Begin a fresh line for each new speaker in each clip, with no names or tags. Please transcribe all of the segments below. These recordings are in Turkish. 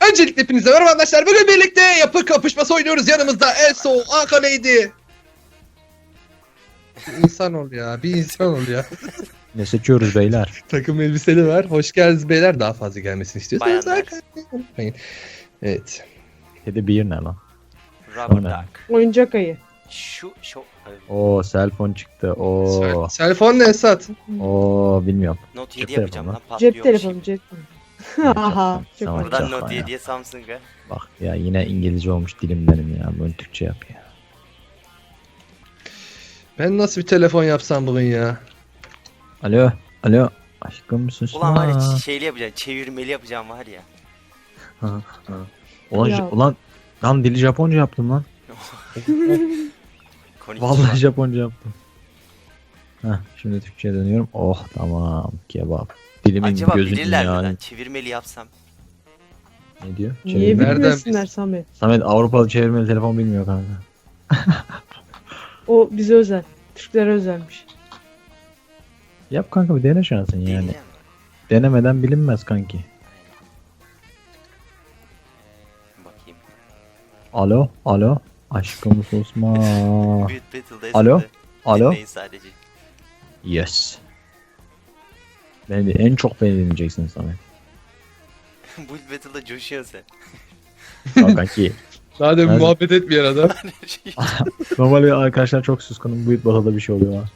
Öncelikle hepinize merhaba arkadaşlar. Bugün birlikte yapı kapışması oynuyoruz. Yanımızda Elso, Akane'ydi. Bir insan ol ya. Bir insan ol ya.
Ne seçiyoruz beyler?
Takım elbiseli var. Hoş geldiniz beyler. Daha fazla gelmesini istiyorsanız
Bayanlar.
Akane'yi unutmayın. Evet.
Kedi bir ne lan?
Rubber
O ne?
duck.
Oyuncak ayı.
Şu
Oo cellphone çıktı. Oo.
Telefon ne Esat?
Oo bilmiyorum.
Note
Cep
7 yapacağım
telefonu.
lan patlıyor.
Cep telefonu, cep telefonu. Aha, çok
Tamam.
iyi.
Buradan
Yapma
Note
ya.
7'ye Samsung'a.
Bak ya yine İngilizce olmuş dilim benim ya. Bunu Türkçe yap ya.
Ben nasıl bir telefon yapsam bugün ya?
Alo. Alo. Aşkım susma.
Ulan var ya şeyli yapacağım, çevirmeli yapacağım var ya.
Ha, ha. Ulan,
Ya.
ulan lan dili Japonca yaptım lan.
Konnichiwa.
Vallahi Japonca yaptım. Heh, şimdi Türkçe'ye dönüyorum. Oh tamam kebap. Dilimin
Acaba
gözünün
bilirler mi
yani.
lan? Çevirmeli yapsam.
Ne diyor?
Niye
Çevirme.
Nereden
bilmesinler Samet?
Samet Avrupalı çevirmeli telefon bilmiyor kanka.
O bize özel. Türklere özelmiş.
Yap kanka bir dene şansın yani.
Deneyeceğim.
Denemeden bilinmez kanki.
Bakayım.
Alo, alo. Aşkım susma.
Büyük Battle'da
Alo?
esnafı.
Alo.
Dinleyin sadece.
Yes. Beni de en çok beni dinleyeceksin Samet.
Build Battle'da coşuyorsun
Al kanki.
Daha da
Nerede?
muhabbet etmeyen adam.
sen.
Normalde arkadaşlar çok suskunum. Bu batıda bir şey oluyor ha.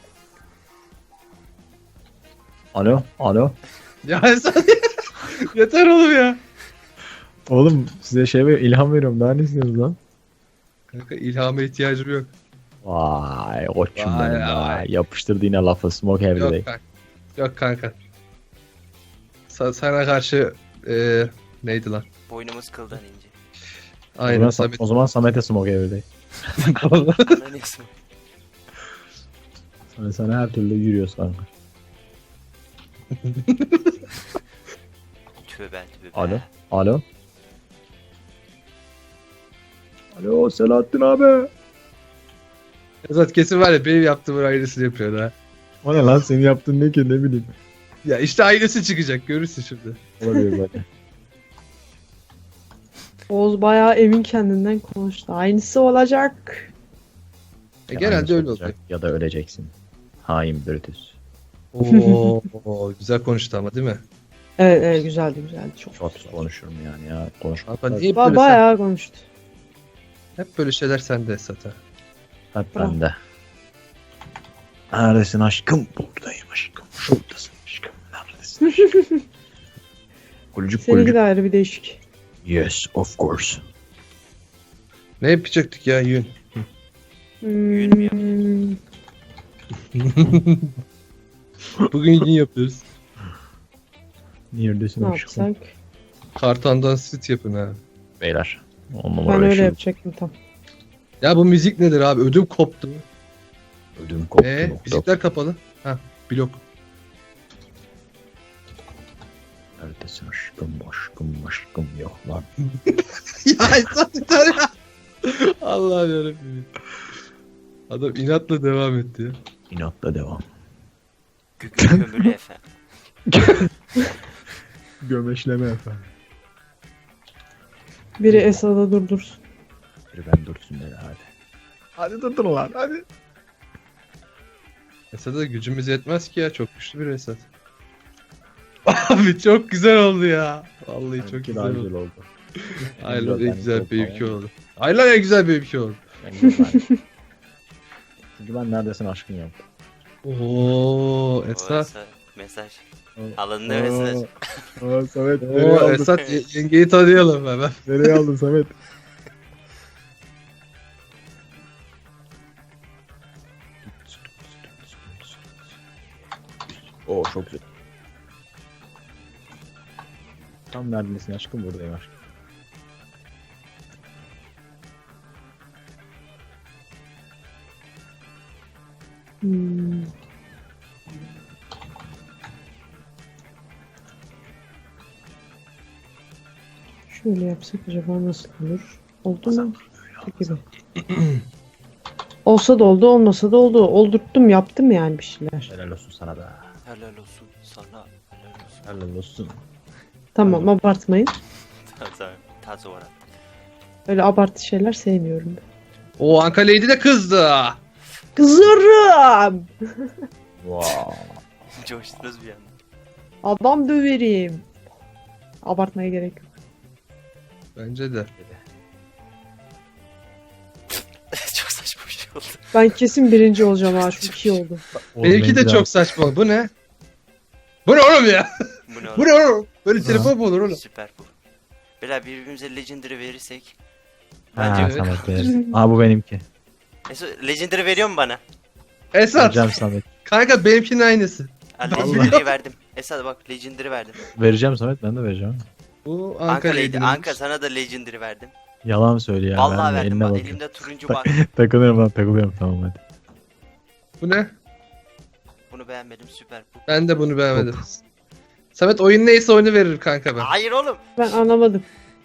Alo, alo.
Ya Esat yeter oğlum ya.
Oğlum size ilham veriyorum. Daha ne istiyorsunuz lan?
Kanka ilhama ihtiyacım yok.
Vay koçum
Vay,
benim ya.
vay.
Yapıştırdı yine lafı. Smoke every day.
Yok kanka. Yok kanka. Sana karşı neydi lan?
Boynumuz kıldan ince.
Aynen Samet.
O zaman Samet'e smoke every day.
Bana ne ismi?
Sana her türlü yürüyoruz kanka.
Tövbe tövbe.
Alo, alo. Alo Selahattin abi.
Esat kesin var ya benim yaptığımın aynısını yapıyor ha.
O ne lan senin yaptığın ne ki ne bileyim.
Ya işte aynısı çıkacak görürsün şimdi.
Olabilir böyle.
Oğuz bayağı emin kendinden konuştu. Aynısı olacak.
Genelde öyle oluyor.
Ya da öleceksin. Hain Brutus.
Oo güzel konuştu ama değil mi?
Evet, evet, güzeldi güzeldi. Çok.
Çok konuşurum yani ya. Konuşma.
Abi niye böyle
Bayağı konuştu.
hep böyle şeyler sende Esat ha.
Hep
Bravo.
bende. Neredesin aşkım? Buradayım aşkım. Şuradasın aşkım. Neredesin aşkım? Gülcük
Seninki
gülcük.
de ayrı bir değişik.
Yes of course.
Ne yapacaktık ya yün?
Hmm,
Bugün yün yapıyoruz.
Neredesin
ne
aşkım?
yapsak?
Kartandan süt yapın ha.
Beyler. On
Ben
numara
öyle
yaşıyor.
yapacaktım tam.
Ya bu müzik nedir abi? Ödüm koptu.
Ödüm koptu.
Müzikler kapalı. Ha blok.
Neredesin aşkım aşkım aşkım yok lan.
Ya Esat bir tane ya. Allah'ım yarabbim. Adam inatla devam etti ya.
İnatla devam.
Gükü kömürlü efendim.
Gömeşleme efendim.
Biri Esad'a durdursun.
Bir ben dursun dedi hadi. Hadi durdur lan hadi.
Esat'a gücümüz yetmez ki ya. Çok güçlü bir Esat. Abi çok güzel oldu ya. Vallahi çok
Benimki
güzel
daha
oldu.
güzel oldu.
Aynen en
Ben
güzel
çok
benimki
tamam.
oldu. Aynen en güzel benimki oldu.
Çünkü ben neredesin aşkım yaptım.
Oo Esat.
Orası mesaj. Alındı mesaj.
Aa Samet
Oo Esat yengeyi tanıyalım hemen.
Nereye aldın Samet? Oo çok güzel. Tam neredesin aşkım buradayım aşkım.
Hmm. Şöyle yapsak acaba nasıl olur? Oldu mu? Gibi. Olsa da oldu, olmasa da oldu. Oldurttum, yaptım yani bir şeyler.
Helal olsun sana da.
Helal olsun sana. Helal olsun.
Helal olsun.
Tamam, abartmayın.
Tamam tamam. taze orada.
Öyle abartı şeyler sevmiyorum ben.
O Anka Lady de kızdı.
Kızarım.
Wow.
Coştunuz bir anda.
Adam döverim. Abartmaya gerek yok.
Bence de.
Çok saçma bir şey oldu.
Ben kesin birinci olacağım ha. Çok iyi oldu.
Benimki de çok saçma. Bu ne? Bu ne oğlum ya?
Bu ne
Bu
oğlum?
ne oğlum? Böyle telefon mu olur oğlum?
Süper bu. Beyler birbirimize Legendary verirsek.
Ha
Bence
Samet verirsin. Aa bu benimki.
Legendary veriyor mu bana?
Esat.
Vereceğim Samet.
Kanka benimkinin aynısı.
Ha, Legendary'i verdim. Esad bak Legendary verdim.
Vereceğim Samet, ben de vereceğim.
Bu
Anka
Anka
Lady.
Lady.
Anka sana da Legendary verdim.
Yalan söyle ya.
Vallahi
verme,
verdim
eline
bak
bakıyorum.
elimde turuncu bak.
Takılıyorum lan, takılıyorum, tamam hadi.
Bu ne?
Bunu beğenmedim süper bu.
Ben de bunu beğenmedim. Samet oyun neyse oyunu verir kanka ben.
Hayır oğlum.
Ben anlamadım.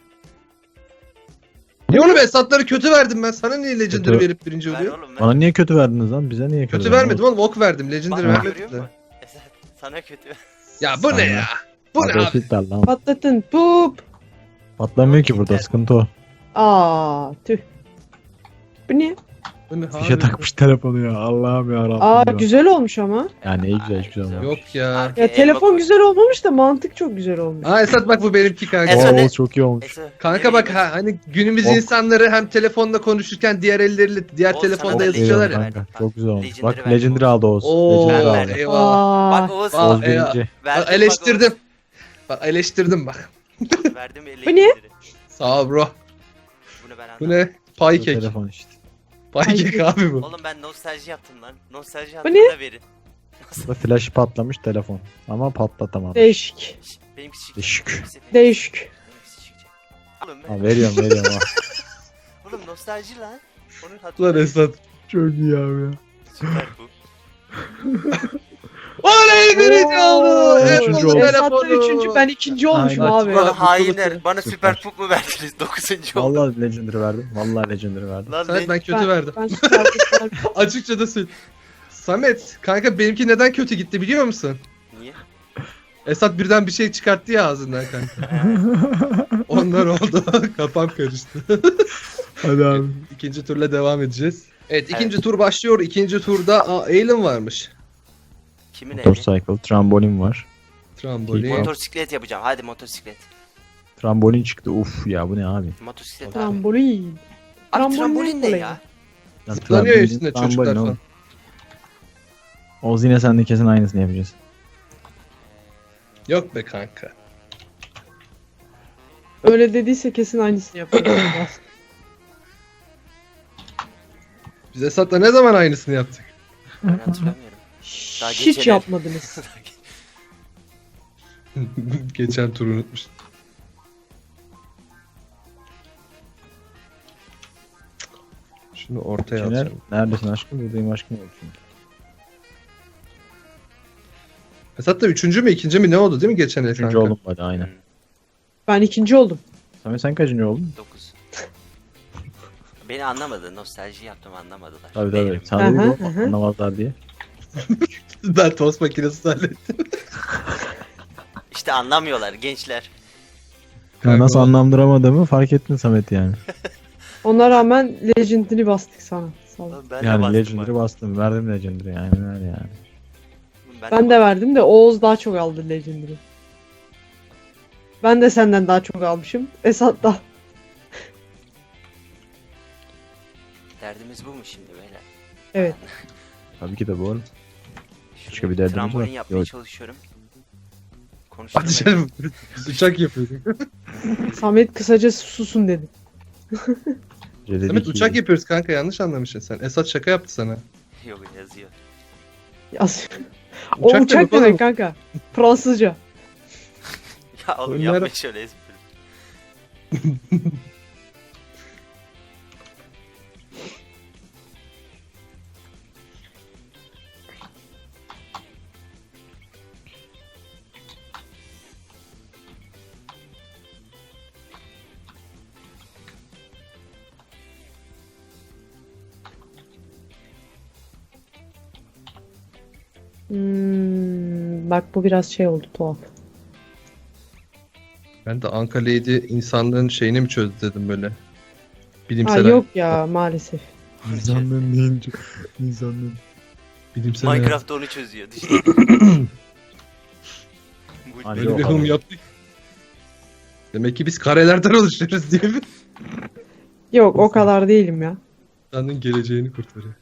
Niye oğlum Esat'ları kötü verdim ben? Sana niye Legendary
Kötü.
verip birinci
Ver
oluyor?
oğlum ver.
Bana niye kötü verdiniz lan? Bize niye kötü
Kötü
verdiniz?
vermedim oğlum ok verdim. Legendary
Bak
vermedim
görüyor
de.
musun? Esad sana kötü.
Ya bu ne ya? Bu ne abi?
Battlefield ver lan.
Patlatın. Pup.
Patlamıyor ki burada, sıkıntı o.
Aa tüh. Bu ne?
Bu ne
Fişe
abi?
takmış telefonu ya. Allah'ım ya Rabbim.
Aa
ya.
güzel olmuş ama.
Yani iyi güzel, hiçbir şey olmaz.
Yok ya.
Arkaya
Ya telefon
elma koy.
güzel olmamış da mantık çok güzel olmuş.
Aa Esat bak bu benimki kanka.
Esat ne?
Oo çok iyi olmuş.
Esad,
Kanka
nereye
bak
gidiyorsun?
hani günümüz
Ok.
insanları hem telefonla konuşurken diğer elleriyle diğer
Oğuz,
telefonda
sana da
yazışıyorlar
Legendary
ya.
verdim.
Kanka, çok güzel olmuş.
Legendary
Bak
verdim
Legendary
Oğuz.
aldı Oğuz.
Oo
Legendary
Ben
aldı.
verdim.
eyvallah.
Bak Oğuz.
Aa,
Oğuz
eyvallah.
birinci.
Verdim,
Bak eleştirdim. Bak eleştirdim bak.
Bak, Oğuz. Verdim
Bu ne?
Sağ ol bro.
Bunu ben
Bu
anlamadım.
ne?
Bu
Paykek.
telefon işte.
Paykek abi bu.
Oğlum ben nostalji yaptım lan. Nostalji
Bu
yaptım
ne?
da verin.
Bu flaşı patlamış telefon. Ama patlatamadı.
Değişik.
Benimki çıkacak.
Değişik.
Değişik.
Benimkisi çıkacak. Oğlum ben.
Ha, veriyorum ha.
Oğlum nostalji lan. Onun
Lan
hatırı.
Esat.
Çok iyi abi ya.
Süper bu.
Oley birinci oldu.
Ben
Esat'ın
üçüncü oldum.
Esat da
telefonu.
üçüncü, ben ikinci olmuşum
Aynen.
abi.
Bana hainler. Bana
Süper.
süper pup mu verdiniz? 9. oldu.
Vallahi Legendary verdim. Vallahi Legendary verdim.
Lan
Samet ben kötü verdim.
Ben süper süper.
Açıkça da söyle. Samet kanka benimki neden kötü gitti biliyor musun?
Niye?
Esat birden bir şey çıkarttı ya ağzından kanka. Onlar oldu. Kafam karıştı.
Hadi abi.
İkinci turla devam edeceğiz. Evet ikinci
Evet.
tur başlıyor. İkinci turda Aylin varmış.
Kimin evi?
Motorcycle, trambolin var.
Trambolin.
Motosiklet yapacağım. Hadi motosiklet.
Trambolin çıktı. Uf ya, bu ne abi?
Motosiklet abi.
Trambolin.
Abi
Trambolin
trambolin ne
olayı.
ya?
Ya,
Zıplanıyor
trambolin,
üstünde
trambolin
çocuklar
oğlum.
falan.
Oğuz yine sen de kesin aynısını yapacağız.
Yok be kanka.
Öyle dediyse kesin aynısını yaparız.
Biz Esat'la ne zaman aynısını yaptık?
Ben hatırlamıyorum. Daha
Hiç
geçen-
yapmadınız.
Geçen turu unutmuş. Şunu ortaya
Şener,
atacağım.
neredesin aşkım? Buradayım aşkım. Yok çünkü.
Esat da üçüncü mü ikinci mi ne oldu değil mi geçen el
Üçüncü
kanka?
oldum hadi aynen.
Ben ikinci oldum.
Samet sen kaçıncı oldun?
9. Beni anlamadı. Nostalji yaptım anlamadılar.
Tabii
Değilim.
tabii. Sen
Hı hı,
dedin
hı.
anlamazlar diye.
Ben tost makinesi hallettim.
İşte anlamıyorlar gençler.
Ya
Kanka,
nasıl
o-
anlamlandıramadığımı fark ettin Samet yani.
Ona rağmen Legend'ini bastık sana. Sağ ol.
Oğlum ben de
Yani
bastım
Legendary'i
bak.
bastım. Verdim Legendary yani. Öyle yani.
Oğlum
Ben de verdim de Oğuz daha çok aldı Legend'ini. Ben de senden daha çok almışım. Esat da.
Derdimiz bu mu şimdi beyler?
Evet.
Tabii ki de bu arada.
Şuraya
Başka bir derdimiz
trambolin
var.
yapmaya
Yok.
çalışıyorum.
Hadi
Konuşturmayın.
canım. Biz uçak yapıyorduk.
Samet kısaca susun dedi.
Samet uçak yapıyoruz kanka yanlış anlamışsın sen. Esat şaka yaptı sana.
Yok yazıyor.
Yaz. O
Uçak
uçak
demek oğlum.
demek kanka. Fransızca.
Ya oğlum
Onlar-
yapma şöyle espri.
Bak bu biraz şey oldu tuhaf.
Ben de Anka Lady insanlığın şeyini mi çözdü dedim böyle.
Ha
Bilimsel
yok ya maalesef.
İnsanlığın deyince. İnsanlığın.
bilimsel
Minecraft onu çözüyor. Düşünün. Bu-
Hani
Böyle
yok
bir
abi.
hım yaptık. Demek ki biz karelerden oluşuyoruz diye mi?
Yok o kadar değilim ya.
İnsanın geleceğini kurtarıyor.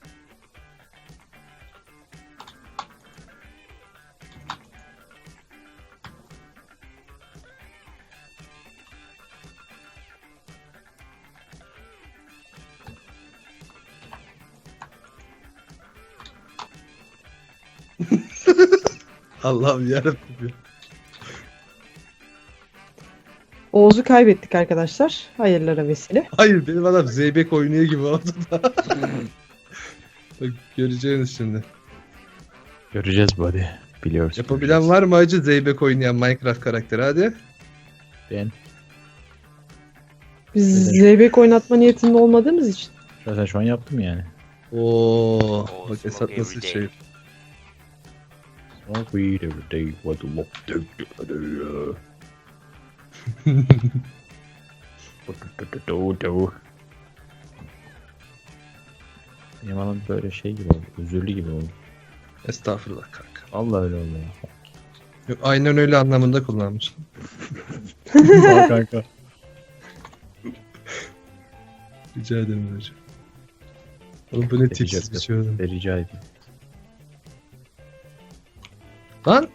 Allah'ım yarabbim ya.
Oğuz'u kaybettik arkadaşlar. Hayırlara vesile.
Hayır benim adam Zeybek oynuyor gibi oldu da. Bak göreceğiniz şimdi.
Göreceğiz buddy. Biliyoruz.
Yapabilen var mı acı Zeybek oynayan Minecraft karakteri hadi.
Ben.
Biz zeybek oynatma niyetinde olmadığımız için.
Zaten şu an yaptım yani.
Oo,
Oh,
bak
smoke
Esat nasıl
every
şey.
day.
Smoke weed every day. What the look do. Benim adam böyle şey gibi oldu. Özürlü gibi oldu.
Estağfurullah kanka.
Vallahi öyle oldu ya.
Yok, aynen öyle anlamında kullanmış.
Sağ kanka.
Rica ederim hocam. Oğlum bu ne tipsiz bir şey oldu.
Rica edeyim.
Lan!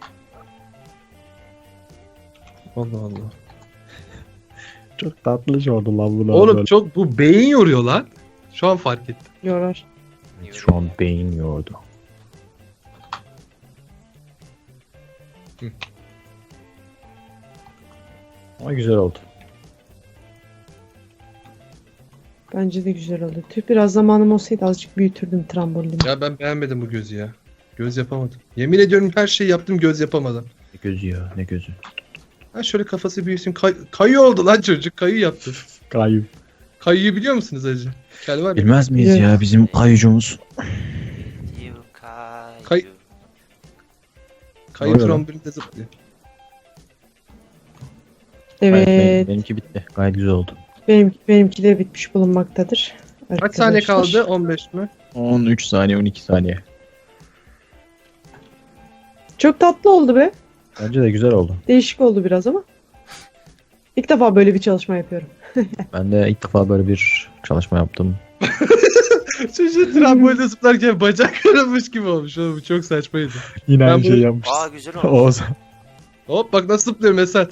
Allah Allah.
Çok tatlı oldu lan bu.
Oğlum çok bu beyin yoruyor lan. Şu an fark ettim.
Yorar.
Şu an beyin yordu.
Hı.
Ama güzel oldu.
Bence de güzel oldu. Tüh biraz zamanım olsaydı azıcık büyütürdüm trambolini.
Ya ben beğenmedim bu gözü ya. Göz yapamadım. Yemin ediyorum her şeyi yaptım göz yapamadım.
Ne gözü ya ne gözü.
Ha şöyle kafası büyüsün. Kayı oldu lan çocuk. Kayı yaptı.
Kayıp.
Kayıyı biliyor musunuz acı? Kel var ya.
Bilmez miyiz
Evet.
ya bizim kayıcımız.
You Kayu.
Kay- Kayı
Oluyor lan.
trombolinde zıplıyor.
Evet.
Benimki bitti. Gayet güzel oldu.
Benimki de bitmiş bulunmaktadır.
Kaç saniye
Arkadaşlar.
kaldı? 15 mi?
13 saniye 12 saniye.
Çok tatlı oldu be.
Bence de güzel oldu.
Değişik oldu biraz ama. İlk defa böyle bir çalışma yapıyorum.
Ben de ilk defa böyle bir çalışma yaptım.
Çocuğun trambolde zıplarken bacak kırılmış gibi olmuş. Oğlum, bu çok saçmaydı.
Yine
Ben
aynı
bunu-
şeyi yapmışız.
Aa güzel olmuş.
Oğuz.
Hop bak nasıl zıplıyorum Esat.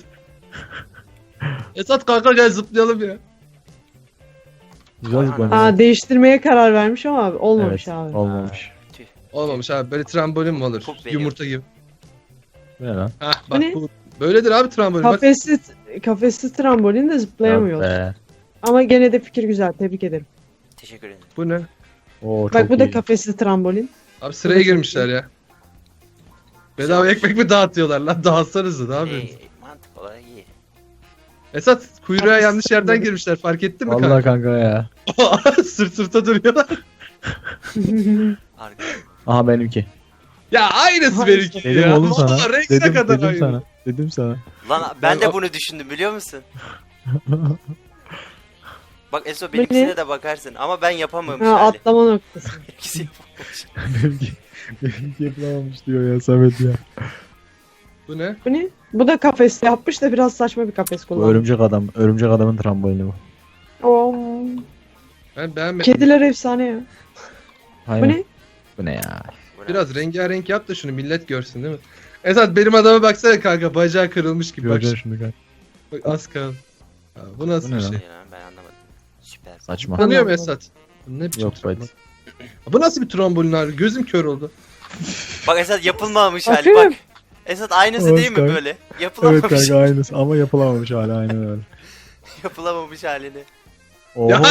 Esat kanka gel zıplayalım ya.
Güzel zıplamış.
Aa değiştirmeye karar vermiş ama abi olmamış
Evet,
abi.
olmamış.
Tüh.
Olmamış abi böyle trambolin mi olur?
Çok beğeniyorum.
Yumurta gibi.
Bu ne lan?
Hah
Bu
bak
ne?
bu. Böyledir abi trambolin. Bak
Kafesli trambolin de zıplayamıyor.
Yok be.
Ama gene de fikir güzel. Tebrik ederim.
Teşekkür ederim.
bu ne?
Oo, çok
Bak bu da
iyi.
kafesli trambolin.
Abi sıraya girmişler ya. Bedava ekmek mi dağıtıyorlar lan? Dağıtsanıza ne yapıyorsunuz?
Mantık olarak iyi.
Esat kuyruğa
Kafes
yanlış yerden
trambolin.
girmişler fark ettin mi
Vallahi
kanka?
kanka ya.
Sırt sırta duruyorlar.
Arka.
Aha benimki.
Ya aynısı
Hayır.
benimki
Dedim
ya.
oğlum sana.
Vallahi renkine
Dedim,
kadar
dedim
aynı.
sana. Dedim sana.
Lan ben de bunu düşündüm biliyor musun? Bak Eso
Bu
benimkisine
ne?
de bakarsın ama ben yapamamış
Ha,
hali.
atlama noktası.
İkisi yapamamış.
benimki yapılamamış diyor ya Samet ya.
Bu ne?
Bu ne? Bu da kafesli yapmış da biraz saçma bir kafes
Bu
kullanmış.
örümcek adam. Örümcek adamın trambolini bu.
Oo.
Ben beğenmedim.
Kediler efsane ya. Bu
Aynen.
ne?
Bu ne ya?
Bu ne?
Biraz rengarenk yap da şunu millet görsün değil mi? Esat benim adama baksana kanka bacağı kırılmış gibi bak.
Göreceksin şimdi kanka.
Bak az kaldı. Ha, bu nasıl
Bu ne
bir
lan?
şey?
Ya, ben anlamadım. Süper.
Saçma.
Tanıyor mu
Allah
Esat? Bu ne biçim
Yok
trambolin?
Bayt.
Bu nasıl bir trombolin abi? Gözüm kör oldu.
Bak Esat yapılmamış hali
Bakıyorum.
bak. Esat aynısı
Evet
değil mi
kanka.
böyle?
Evet
Yapılamamış.
kanka aynısı ama yapılamamış hala aynen öyle.
Yapılamamış halini.
Oo,
Ya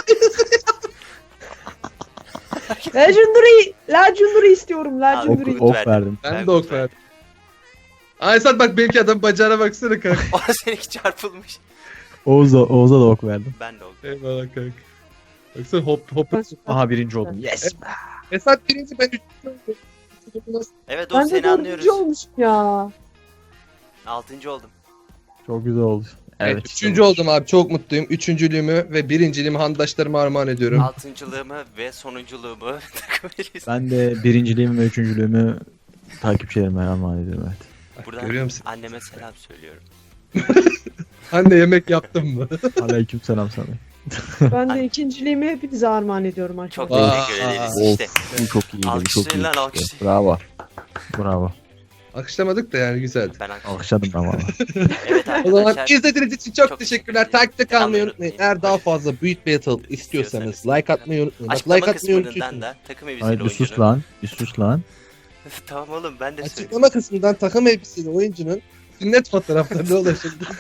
Legendary istiyorum.
ok,
Legendary.
Al,
ok
verdim.
verdim.
Ben
Ben
de ok
kurtardım.
verdim. Aa Esat bak benimki adam bacağına baksana kanka.
O seninki çarpılmış.
Oğuz'a da ok verdim.
Ben de oldu.
Eyvallah kanka. Baksana hop.
Aha birinci oldum. Yes.
Esat birinci ben üçüncü oldum.
Evet o
Ben de
seni anlıyoruz.
dördüncü olmuşum ya.
6. oldum.
Çok güzel oldu.
Evet, üçüncü oldum abi. Çok mutluyum. Üçüncülüğümü ve birinciliğimi handaşlarıma armağan ediyorum.
Altıncılığımı ve sonunculuğumu takım elbise.
Ben de birinciliğimi ve üçüncülüğümü takipçilerime armağan ediyorum, evet.
Bak,
Buradan
görüyor musun?
anneme selam söylüyorum.
Anne yemek yaptın mı?
Aleyküm selam sana.
Ben de ikinciliğimi hepinize armağan ediyorum
Çok
arkadaşlar.
teşekkür ederiz
Of,
işte.
bu çok iyiydi, bu çok
Alkışlayın
iyi.
lan, alkışlayın.
Bravo. Bravo.
Akışlamadık da yani güzeldi.
Ben
Alkışladım ben valla.
Evet
O zaman
arkadaşlar.
izlediğiniz için çok,
Çok
teşekkürler.
teşekkür ederim.
Takipte kalmayı
Devamını
unutmayın.
unutmayın.
Eğer daha fazla Build Battle istiyorsanız like atmayı unutmayın. Bak
Açıklama
like atmayı
kısmından
unutuyorsunuz.
da takım elbiseli
Hayır bir sus
oyuncunun.
lan. Bir sus lan.
Tamam oğlum ben de söyleyeyim.
Açıklama kısmından takım elbiseli oyuncunun sünnet fotoğraflarına ulaşabilirsiniz.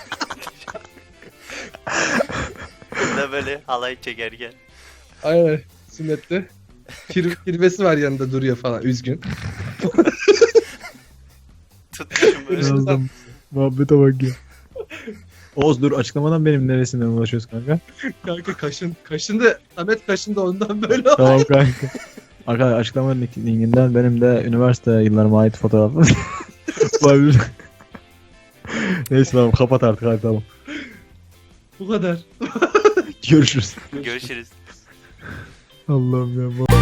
Burada böyle halay çekerken.
Aynen sünnette. Kirvesi var yanında duruyor falan üzgün.
Tutmuşum böyle.
Yazdım.
Muhabbete bak ya. Oğuz dur, açıklamadan benim neresinden ulaşıyoruz kanka?
Kanka kaşındı. Samet kaşındı ondan böyle oldu.
Tamam kanka. Arkadaşlar açıklamanın linkinden benim de üniversite yıllarıma ait fotoğrafım olabilir. Neyse tamam, kapat artık, hadi tamam.
Bu kadar.
Görüşürüz.
Görüşürüz.
Allah'ım ya.